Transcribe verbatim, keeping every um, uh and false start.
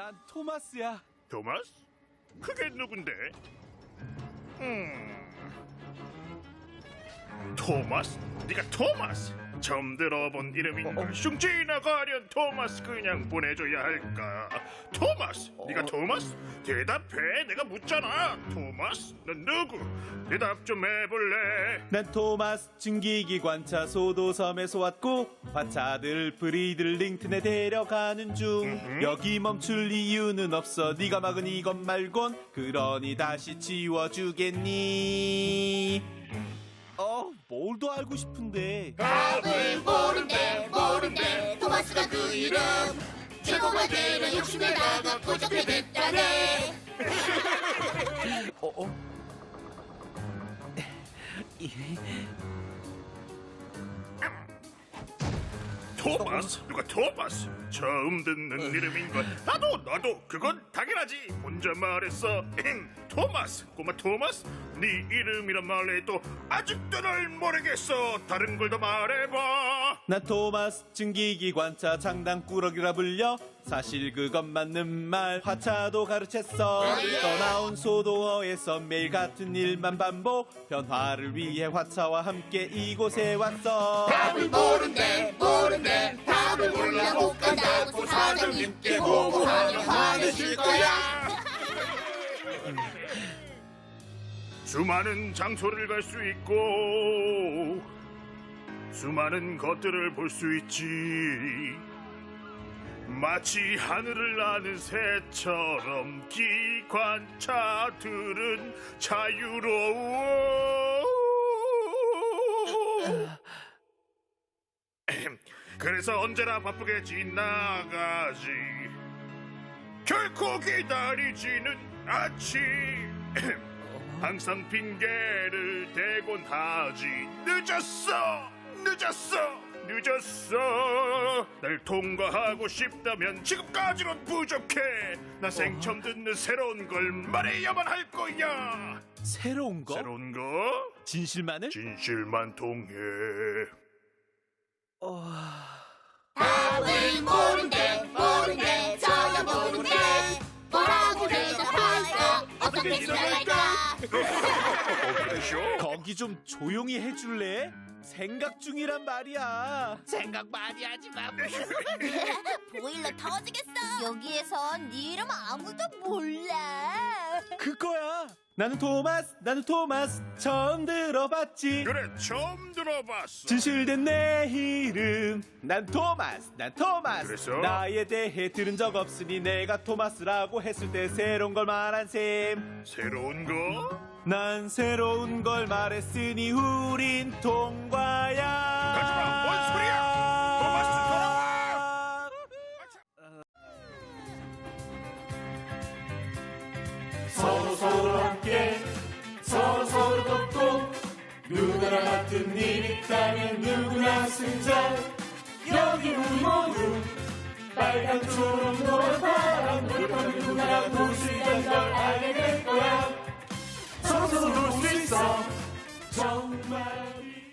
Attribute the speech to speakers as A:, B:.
A: 난 토마스야.
B: 토마스? 그게 누군데? 음... 토마스? 네가 토마스? 처음 들어본 이름인걸. 슝지나 가련 토마스 그냥 보내줘야 할까? 토마스? 네가 토마스? 대답해. 내가 묻잖아. 토마스? 넌 누구? 대답 좀 해볼래?
A: 난 토마스. 증기기관차 소도섬에서 왔고 화차들 브리들 링튼에 데려가는 중.
B: 음흠.
A: 여기 멈출 이유는 없어. 네가 막은 이것 말곤. 그러니 다시 지워주겠니? 어, 뭘 더 알고 싶은데.
C: 답을 모른대 모른대 토마스가 그 이름 제공할 때는 욕심내다가 부족해 됐다네.
A: 어, 어?
B: 토마스? 누가 토마스? 처음 듣는 이름인걸. 나도 나도 그건 당연하지. 혼자 말했어. 토마스. 꼬마 토마스? 네 이름이란 말해도 아직도 널 모르겠어. 다른 걸 더 말해봐.
A: 난 토마스. 증기기관차 장단꾸러기라 불려. 사실 그건 맞는 말. 화차도 가르쳤어. 떠나온 소도어에서 매일 같은 일만 반복. 변화를 위해 화차와 함께 이곳에 왔어.
C: 답을 모른대 모른대 답을 몰라 못 간다고 사장님께 보고하면 화내실 거야.
B: 수많은 장소를 갈 수 있고 수많은 것들을 볼 수 있지. 마치 하늘을 나는 새처럼 기관차들은 자유로워. 그래서 언제나 바쁘게 지나가지. 결코 기다리지는 않지. 항상 핑계를 대곤 하지. 늦었어 늦었어 늦었어. 날 통과하고 싶다면 지금까지는 부족해. 나 생처음 듣는 새로운 걸 말해야만 할 거야.
A: 새로운 거?
B: 새로운 거?
A: 진실만을?
B: 진실만 통해.
A: 어...
C: 답을 모른대 모른대 저야 모른대 뭐라고 대답할까 어떻게 지나갈까.
A: 거기 좀 조용히 해줄래? 생각 중이란 말이야.
D: 생각 많이 하지 마.
C: 보일러 터지겠어. 여기에선 네 이름 아무도 몰라.
A: 그거야. 나는 토마스. 나는 토마스. 처음 들어봤지.
B: 그래 처음 들어봤어.
A: 진실된 내 이름. 난 토마스. 난 토마스.
B: 그래서?
A: 나에 대해 들은 적 없으니 내가 토마스라고 했을 때 새로운 걸 말한 셈.
B: 새로운 거?
A: 난 새로운 걸 말했으니 우린 통과야.
B: 하지마, 뭔 소리야? 토마스 돌아와.
A: 서로 서로 함께 서로 서로 돕고 누구나 같은 일 있다면 누구나 승자. 여기 우리 모두 빨간 초록 노란 파란 노력하면 누구나 도수 있다는 걸 알게 될 거야. 서로 서로 도울 수 있어 정말.